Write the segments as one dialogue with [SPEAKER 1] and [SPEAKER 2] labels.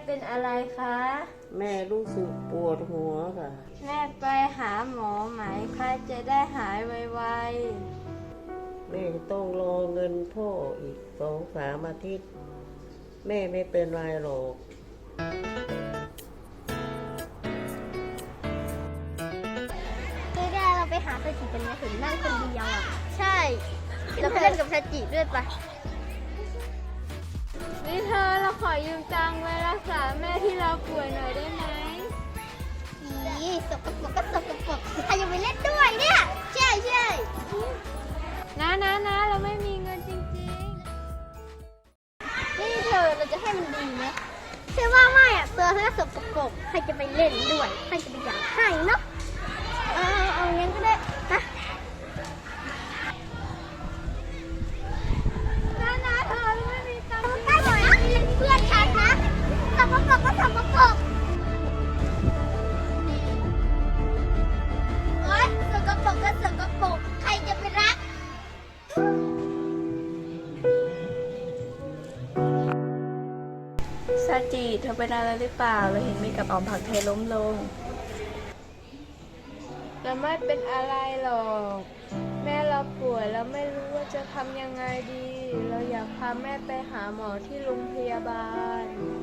[SPEAKER 1] เป็นอะไรคะ
[SPEAKER 2] แม่รู้สึกปวดหัวค่ะ
[SPEAKER 1] แม่ไปหาหมอไหมคะจะได้หายไว
[SPEAKER 2] แม่จะต้องรอเงินพ่ออีก2-3 อาทิตย์ แม่ไม่เป็นไรหรอก
[SPEAKER 3] ไม่ได้เราไปหาซาจิกันไหมเห็นนั่งคนเดียวอ่ะ ใช่ เราไปเล่นกับซาจิด้วยปะ
[SPEAKER 1] ๆนี่เธอเราขอยืมตังค์ไว้รักษาแม่ที่เราป่วยหน่อยได้ไหม
[SPEAKER 3] อีสกปรกก็สกปรกใครจะไปเล่นด้วยเนี่ย ใช่ใช่
[SPEAKER 1] นะเราไม่มีเงินจริง
[SPEAKER 3] นี่เธอเราจะให้มันดีไหมเชื่อว่าไม่อ่ะตัวเธอสกปรกใครจะไปเล่นด้วยใครจะไปอยากให้เนาะเอางั้นก็ได้นะ
[SPEAKER 1] ๆนะเธอเราไม่มีตังค์
[SPEAKER 3] ใกล้หน่อยนะเล่นเพื่อนฉันนะสกปรกก็สกปรกโอ๊ยสกปรกก็สกปรกใครจะไปรัก
[SPEAKER 1] ซาจิเธอเป็นอะไรหรือเปล่าเราเห็นมีกับออมผักไทยล้มลงเราไม่เป็นอะไรหรอกแม่เราป่วยแล้วไม่รู้ว่าจะทำยังไงดี เราอยากพาแม่ไปหาหมอที่โรงพยาบาล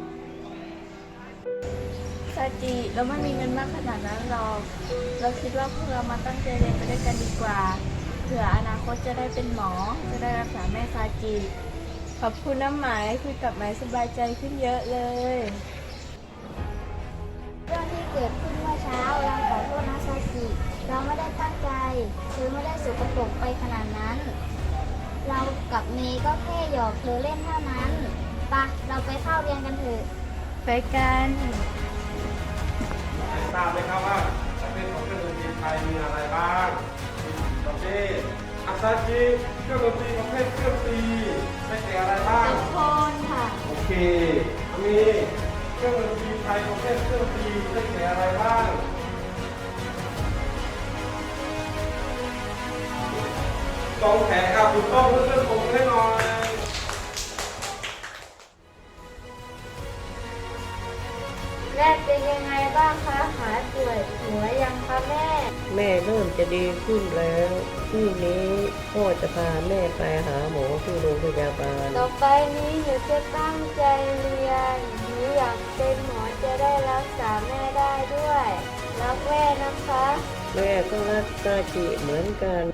[SPEAKER 1] ซาจิเราไม่มีเงินมากขนาดนั้นหรอกเราคิดว่าพวกเรามาตั้งใจเรียนไปด้วยกันดีกว่าเผื่ออนาคตจะได้เป็นหมอจะได้รักษาแม่ซาจิขอบคุณน้ำหมายคุยกับหมายสบายใจขึ้นเยอะเลย
[SPEAKER 3] เรื่องที่เกิดขึ้นเมื่อเช้าเราขอโทษนะซาจิเราไม่ได้ตั้งใจเธอไม่ได้สกปรกไปขนาดนั้น เรากับเมย์ก็แค่หยอกเธอเล่นเท่านั้นปะเราไปเข้าเรียนกันเถอะ
[SPEAKER 1] ไปกัน
[SPEAKER 4] ทราบไหมครับว่าประเภทของเครื่องดนตรีไทยมีอะไรบ้างมี4 ประเภทอาซาจิเครื่องดนตรีประเภทเครื่องตีได้แก่อะไรบ้าง
[SPEAKER 1] โทนค่ะ
[SPEAKER 4] โอเคมีเครื่องดนตรีไทยประเภทเครื่องตีได้แก่อะไรบ้างกองแขนครับถูกต้องเพื่อนๆผมให้หน่อย
[SPEAKER 1] แม่เป็นยังไงบ้างคะหายป่วยหัวยังคะแม่
[SPEAKER 2] แม่เริ่มจะดีขึ้นแล้วพรุ่งนี้พ่อจะพาแม่ไปหาหมอที่โรงพยาบาล
[SPEAKER 1] ต่อไปนี้หนูจะตั้งใจเรียนหนูอยากเป็นหมอจะได้รักษาแม่ได้ด้วยรักแม่นะคะ
[SPEAKER 2] แม่ก็รักซาจิเหมือนกัน